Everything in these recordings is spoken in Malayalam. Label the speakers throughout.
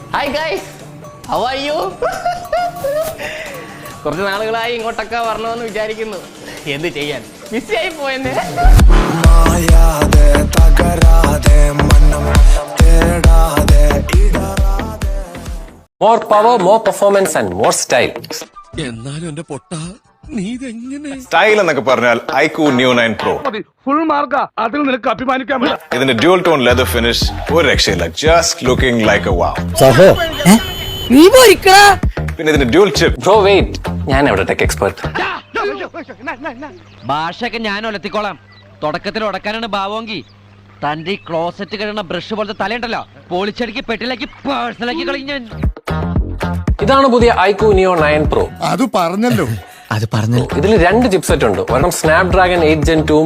Speaker 1: Hi guys, how are you? കുറച്ച് നാളുകളായി ഇങ്ങോട്ടൊക്കെ വരണമെന്ന് വിചാരിക്കുന്നു. എന്ത് ചെയ്യാൻ, ബിസി ആയി പോയെന്നെ.
Speaker 2: More power, more performance and more style.
Speaker 3: എന്നാലും എന്റെ പൊട്ട നീ ഇതെങ്ങനെ
Speaker 4: സ്റ്റൈൽ എന്നൊക്കെ പറഞ്ഞാൽ ഐക്യു ന്യൂ 9 Pro.
Speaker 3: ഫുൾ മാർക്കാ, അതിൽ നിനക്ക് അഭിമാനിക്കാൻ പറ്റില്ല.
Speaker 4: ഇതിന്റെ ഡ്യുവൽ ടോൺ ലെതർ ഫിനിഷ് ഒരു രക്ഷയില്ല. Just looking like a wow. പിന്നെ ഇതിന്റെ ഡ്യുവൽ ചിപ്പ്.
Speaker 2: Bro, wait. ഞാൻ എവിടെ ടെക് എക്സ്പെർട്ട്.
Speaker 5: ഭാഷയൊക്കെ ഞാൻ ഒലത്തിക്കോളാം. തുടക്കത്തിൽ ഉടക്കാനാണ് ഭാവമെങ്കിൽ തന്റെ ഈ ക്ലോസറ്റ് കഴിയുന്ന ബ്രഷ് പോലത്തെ തലയുണ്ടല്ലോ, പോളിച്ചടിക്ക് പെട്ടിലാക്കി പേഴ്സണലാക്കി കളഞ്ഞ.
Speaker 2: ഇതാണ് പുതിയ ഐക്യു നിയോ 9 Pro.
Speaker 3: അത് പറഞ്ഞല്ലോ.
Speaker 2: ഇതിൽ 2 ചിപ്സെറ്റ് ഉണ്ട്. ഒരെണ്ണം സ്നാപ്ഡ്രാഗൺ 8 Gen 2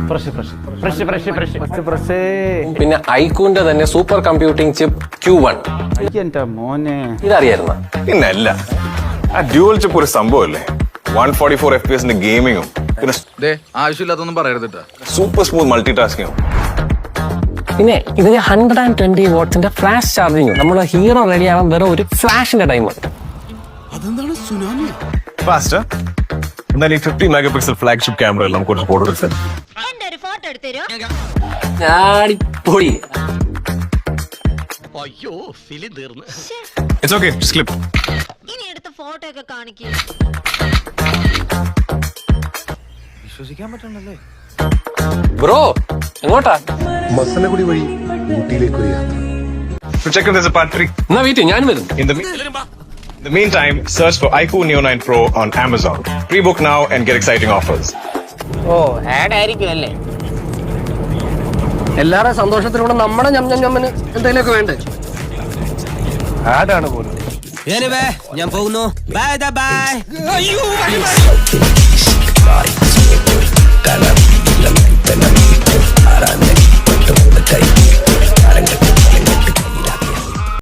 Speaker 2: പിന്നെ ഐക്യുവിന്റെ തന്നെ സൂപ്പർ കമ്പ്യൂട്ടിംഗ് ചിപ്പ് Q1. ഇതറിയായിരുന്ന?
Speaker 4: പിന്നല്ല, ആ ഡ്യുവൽ ചിപ്പ് ഒരു സംഭവമല്ലേ. 144 FPS ഗെയിമിങ്ങും പിന്നെ
Speaker 6: ആവശ്യമില്ലാത്തൊന്നും പറയരുത്.
Speaker 4: സൂപ്പർ സ്മൂത്ത് മൾട്ടി ടാസ്കിങ്ങും.
Speaker 2: പിന്നെ ഇതിന് 120 വാട്ട്സിന്റെ ഫ്ലാഷ് ചാർജിങ്ങും. നമ്മുടെ ഹീറോ റെഡി ആവാൻ വെറും ഒരു ഫ്ലാഷിന്റെ ടൈം.
Speaker 3: അതെന്താണ് സുനാമി?
Speaker 4: ഫാസ്റ്റർ. എന്നാൽ ഈ 50 മെഗാപിക്സൽ ഫ്ലാഗ്ഷിപ്പ് ക്യാമറ എല്ലാം കുറച്ച് ഫോട്ടോ എടുത്ത്
Speaker 2: ഞാടിപ്പൊളി.
Speaker 1: അയ്യോ, ഫിലിം തീർന്നു.
Speaker 4: It's okay, slip.
Speaker 7: ഇനി എടുത്ത ഫോട്ടോ ഒക്കെ കാണിക്കേ.
Speaker 6: വിശ്വസിക്കാൻ പറ്റണല്ലേ.
Speaker 2: ബ്രോ, എങ്ങോട്ടാ?
Speaker 3: മസനഗുഡി വഴി ഊട്ടിയിലേക്ക് ഒരു യാത്ര.
Speaker 4: Check if there's a part 3.
Speaker 2: എന്നാ വീട്ടിൽ ഞാൻ വരും.
Speaker 4: In the meantime, search for iQOO Neo 9 Pro on Amazon. Pre-book now and get exciting offers.
Speaker 1: ഓ, ആഡ് ആയിരിക്കും അല്ലേ?
Speaker 2: എല്ലാവരുടെ സന്തോഷത്തിലൂടെ നമ്മുടെ ഞമ്മന് എന്തെങ്കിലുമൊക്കെ വേണ്ടേ?
Speaker 3: ആടാണ് പോലും.
Speaker 5: ഞാൻ പോകുന്നു. Bye by.